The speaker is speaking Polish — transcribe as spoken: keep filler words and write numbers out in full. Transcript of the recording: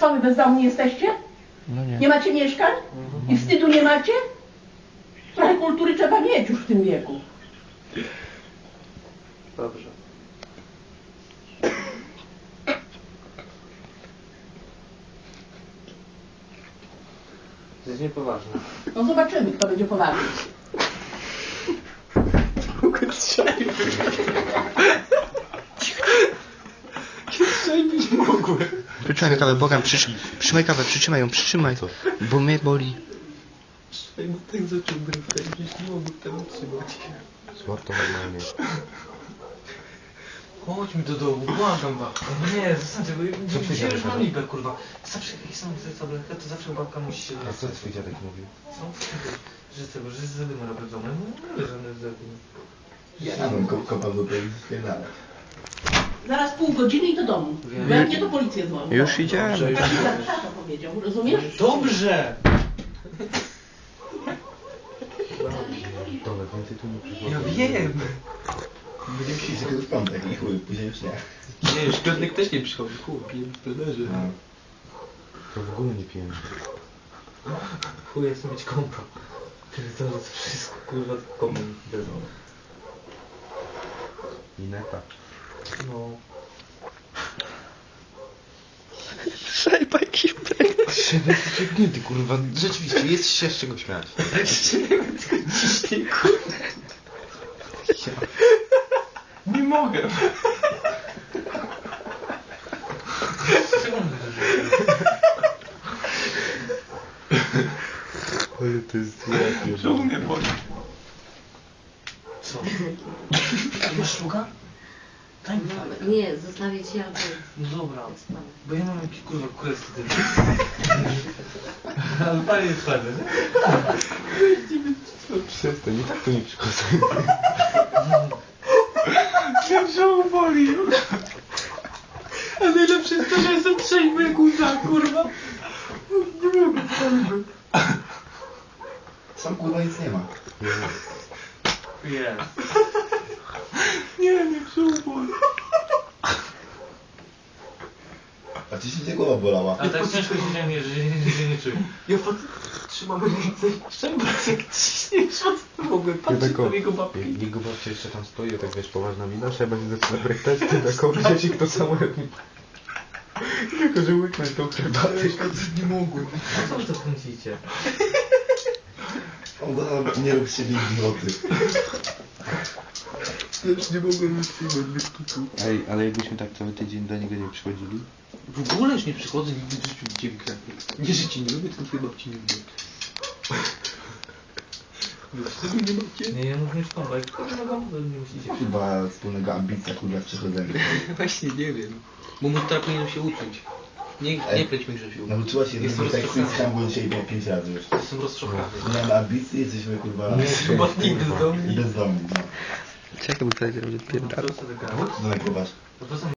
Co wy bezdomni jesteście? No nie. Nie macie mieszkań? I wstydu nie macie? Trochę kultury trzeba mieć już w tym wieku. Dobrze. To jest niepoważne. No zobaczymy, kto będzie poważny. Strzelić nie mogłem. Przytrzymaj kawę, Bogam, przytrzymaj, przytrzymaj kawę, przytrzymaj ją, przytrzymaj. Bo mnie boli. Ej, no tak zaczął bryfać, gdzieś nie mogę tego trzymać. Złoto normalnie. Chodźmy do domu, błagam babka. Nie, zostańcie, bo dzisiaj już mam libę, kurwa. Zawsze jak są te tablety, to zawsze babka musi się... A co twój dziadek mówił? Co? Że tego, że zadymy robię w domu. No nie wiem, żadne zadymy. Ja bym ko kopał do tej spierdalać. Zaraz pół godziny i do domu. Wiem. Bo jak nie, to policję złamie. Już idziemy. Tak to powiedział, rozumiesz? Dobrze! Dobra, więcej tu nie przychodzi. Ja wiem! Będziemy się tylko w piątek i chuj, później już nie. Nie, już piątek też nie przychodzi, chuj, piję w trenerze. No. To w ogóle nie pijemy. Chuj, ja chcę mieć kompa. To jest wszystko, kurwa, kompem wezmę. I neta. No. Szajbaj kiprek. Przepięknięty, kurwa, rzeczywiście, jest się z czego śmiać. Ciśnij, kurwa. Nie mogę. Ale to jest złe. Czemu mnie boli? Co? Masz szluga? Daj mi dalej. Nie, zostawię ci albo... No dobra, bo ja mam jakiś kurwa quest ty. Ale fajnie jest fajne, nie? Przestań, nie tak to nie przychodzę. Ja brzuch boli. A najlepsze jest to, że jestem trzeźwy jak łza, kurwa. Nie mogę, trzeźwy. Sam kurwa nic nie ma. Jest. Nie, nie brzuch boli. A ci się głowa bolała? A tak ciężko się nie, że się nie czuję. Ja fakt trzymam ręce i szczębać jak ciśniesz, co mogę patrzeć na jego babki. Jego babcia jeszcze tam stoi, a tak wiesz, poważna mina, trzeba się zaczyna brechtać, ty taką wziąć i kto samo jak mi... Tylko, że łyknąć tą herbatę. Nie mogłem. A co wy to kręcicie? On go nie rób z siebie idioty. Ja już nie mogłem wytrzymać, wystuku. Ej, ale jakbyśmy tak cały tydzień do niego nie przychodzili? W ogóle już nie przychodzę, nigdy w życiu widziałem kwiatów. Nie, że ci nie lubię, tylko twojej babci nie lubię. Nie macie? Nie, ja mówię już kompa, jak tylko na gąbę nie musicie. Chyba wspólnego ambicja kurwa w przechodzeniu. Właśnie nie wiem. Bo mu teraz powinienem się uczyć. Nie, nie pleć mi Grzesiu. Nauczyła się Jestem jednego tekstu i rozczochrany. tam było dzisiaj było pięć razy już. Jestem rozczochrany. Nie mamy ambicji, jesteśmy kurwa... Chyba nie bezdomni. Bezdomni, no. Czekaj, bo powiedział, że No, pierdala. to co ty A po co to nagrywasz? No to są